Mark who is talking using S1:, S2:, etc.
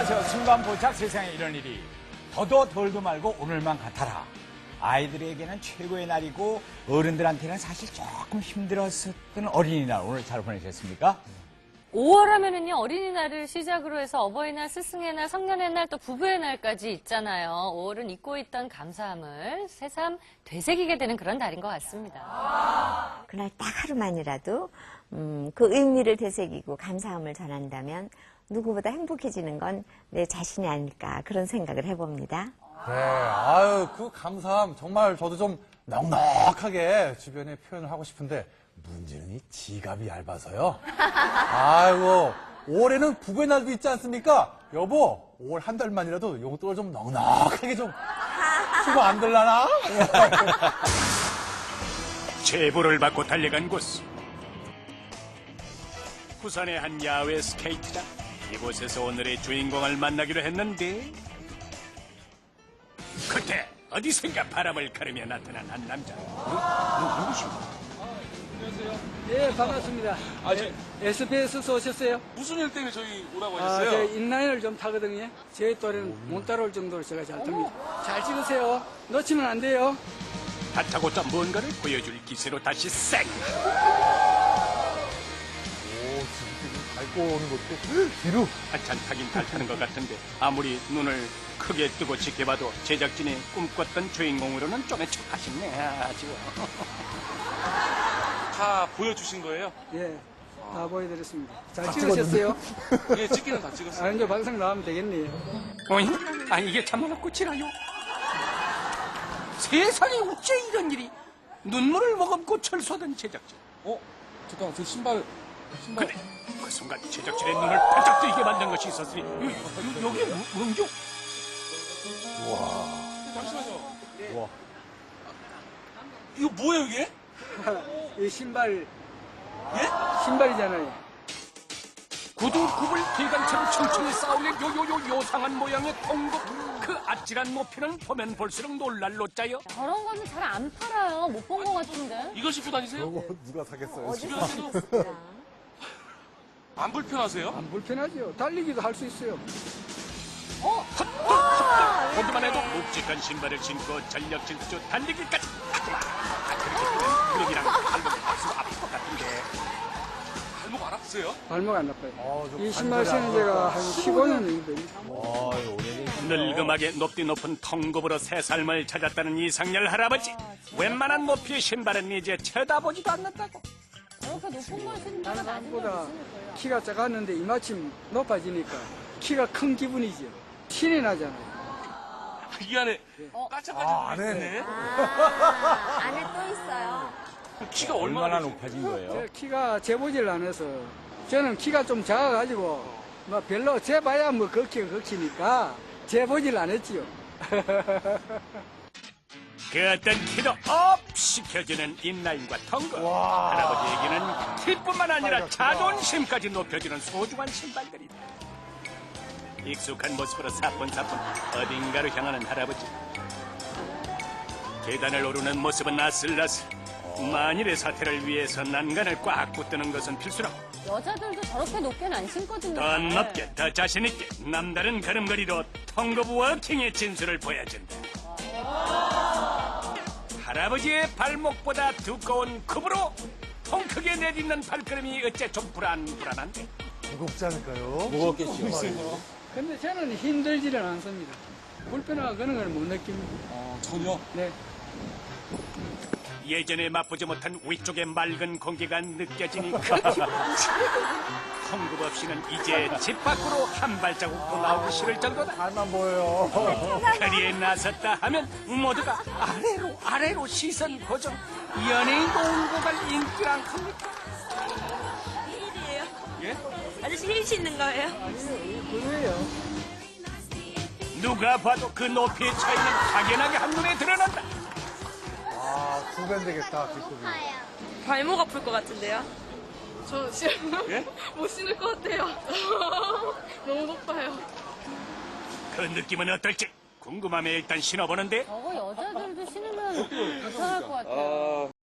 S1: 안녕하세요. 순간포착 세상에 이런 일이 더도 덜도 말고 오늘만 같아라. 아이들에게는 최고의 날이고 어른들한테는 사실 조금 힘들었었던 어린이날 오늘 잘 보내셨습니까?
S2: 5월 하면은요, 어린이날을 시작으로 해서 어버이날, 스승의 날, 성년의 날, 또 부부의 날까지 있잖아요. 5월은 잊고 있던 감사함을 새삼 되새기게 되는 그런 달인 것 같습니다.
S3: 그날 딱 하루만이라도 그 의미를 되새기고 감사함을 전한다면 누구보다 행복해지는 건 내 자신이 아닐까 그런 생각을 해봅니다.
S4: 네, 아유, 그 감사함 정말 저도 좀 넉넉하게 주변에 표현을 하고 싶은데 문제는 이 지갑이 얇아서요. 아이고, 올해는 부부의 날도 있지 않습니까? 여보, 5월 한 달만이라도 용돈을 좀 넉넉하게 좀 주고 안 될라나?
S5: 제보를 받고 달려간 곳. 부산의 한 야외 스케이트장. 이곳에서 오늘의 주인공을 만나기로 했는데 그때 어디선가 바람을 가르며 나타난 한 남자. 누구신가?
S6: 안녕하세요. 예, 반갑습니다. SBS에서 오셨어요?
S7: 무슨 일 때문에 저희 오라고
S6: 저
S7: 하셨어요?
S6: 인라인을 좀 타거든요. 제 또래는 못 따라올 정도로 제가 잘 탑니다. 잘 찍으세요. 놓치면 안 돼요.
S5: 다짜고짜 뭔가를 보여줄 기세로 다시 쌩.
S4: 밟고 오는 것도 뒤로.
S5: 한참 타긴 잘 타는 것 같은데 아무리 눈을 크게 뜨고 지켜봐도 제작진이 꿈꿨던 주인공으로는 좀 척하시네. 아쉬워.
S7: 다 보여주신 거예요?
S6: 예, 다 보여드렸습니다. 잘 찍으셨어요?
S7: 예, 찍기는 다 찍었어요.
S6: 아, 이제 방송 나오면 되겠네요.
S5: 어이? 아니 이게 참말로 끝이라요. 세상에 어째 이런 일이. 눈물을 머금고 철수하던 제작진.
S7: 잠깐만, 저 신발.
S5: 근데 그 순간 제작진의 눈을 반짝 뜨게 만든 것이 있었으니 여기에 뭔죠?
S7: 잠시만요.
S4: 우와.
S7: 이거 뭐예요, 이게?
S6: 이 신발,
S7: 예?
S6: 신발이잖아요.
S5: 구두굽을 기관처럼 층층이 쌓아올린 요상한 모양의 통곡. 그 아찔한 높이는 보면 볼수록 놀랄 노자요.
S2: 저런 거는 잘 안 팔아요. 못 본 것 같은데.
S7: 이걸 신고 다니세요?
S4: 이거 누가 사겠어요?
S7: 집에서도 안 불편하세요?
S6: 안 불편하죠. 달리기도 할 수 있어요.
S5: 보기만 해도 묵직한 신발을 신고 전력 질주 달리기까지 하구만. 그렇게 되면 무릎이랑 발목이 박수가 아플 것 같은데.
S7: 발목 안 아프세요?
S6: 발목 안 아파요.
S4: 좀
S6: 이 신발 신은 지가 한 15년 됩니다.
S5: 늙음하게 높디 높은 통굽으로 새 삶을 찾았다는 이상열 할아버지. 웬만한 높이의 신발은 이제 쳐다보지도 않는다고.
S2: 저렇게 높은 걸 신는 데가
S6: 다른
S2: 낮은 걸
S6: 사람보다
S2: 신을 거예요.
S6: 키가 작았는데 이마침 높아지니까 키가 큰 기분이죠. 신이 나잖아요.
S7: 이 안에 까짝까짝 있네.
S3: 안에 또 있어요.
S7: 키가
S1: 얼마나
S7: 얼마나
S1: 높아진 거예요?
S6: 제 키가 재보질 않아서 저는 키가 좀 작아가지고 뭐 별로 재봐야 뭐 걷기가 걷기니까 재보질 않았지요.
S5: 그 어떤 키도 업 시켜주는 인라인과 통구. 할아버지에게는 키뿐만 아니라 자존심까지 높여주는 소중한 신발들이다. 익숙한 모습으로 사뿐사뿐 어딘가로 향하는 할아버지. 계단을 오르는 모습은 아슬아슬. 만일의 사태를 위해서 난간을 꽉 붙드는 것은 필수라고.
S2: 여자들도 저렇게 높게는 안 신거든요.
S5: 더 높게, 더 자신있게 남다른 걸음걸이로 통굽 워킹의 진수를 보여준다. 할아버지의 발목보다 두꺼운 굽으로 통 크게 내딛는 발걸음이 어째 좀 불안한데.
S4: 무겁지 않을까요?
S6: 근데 저는 힘들지는 않습니다. 불편하고 그런 걸 못 느낍니다.
S7: 전혀?
S6: 네.
S5: 예전에 맛보지 못한 위쪽의 맑은 공기가 느껴지니 그 기분. 통굽 없이는 이제 집 밖으로 한 발자국도 나오기 싫을 정도다.
S4: 잘만 보여요.
S5: 거리에 나섰다 하면 모두가 아래로 시선 고정. 연예인 온 고갈 인기란 겁니까?
S8: 힐이에요?
S7: 예?
S8: 아저씨 힐 신는 거예요?
S6: 그거예요.
S5: 누가 봐도 그 높이의 차이는 확연하게 한눈에 드러난다.
S4: 아, 두 배 되겠다, 기쁨이.
S8: 발목 아플 것 같은데요?
S9: 저 지금
S7: 예?
S9: 못 신을 것 같아요. 너무 높아요.
S5: 그 느낌은 어떨지 궁금하면 일단 신어보는데
S2: 저거 여자들도 신으면 괜찮을 것 같아요.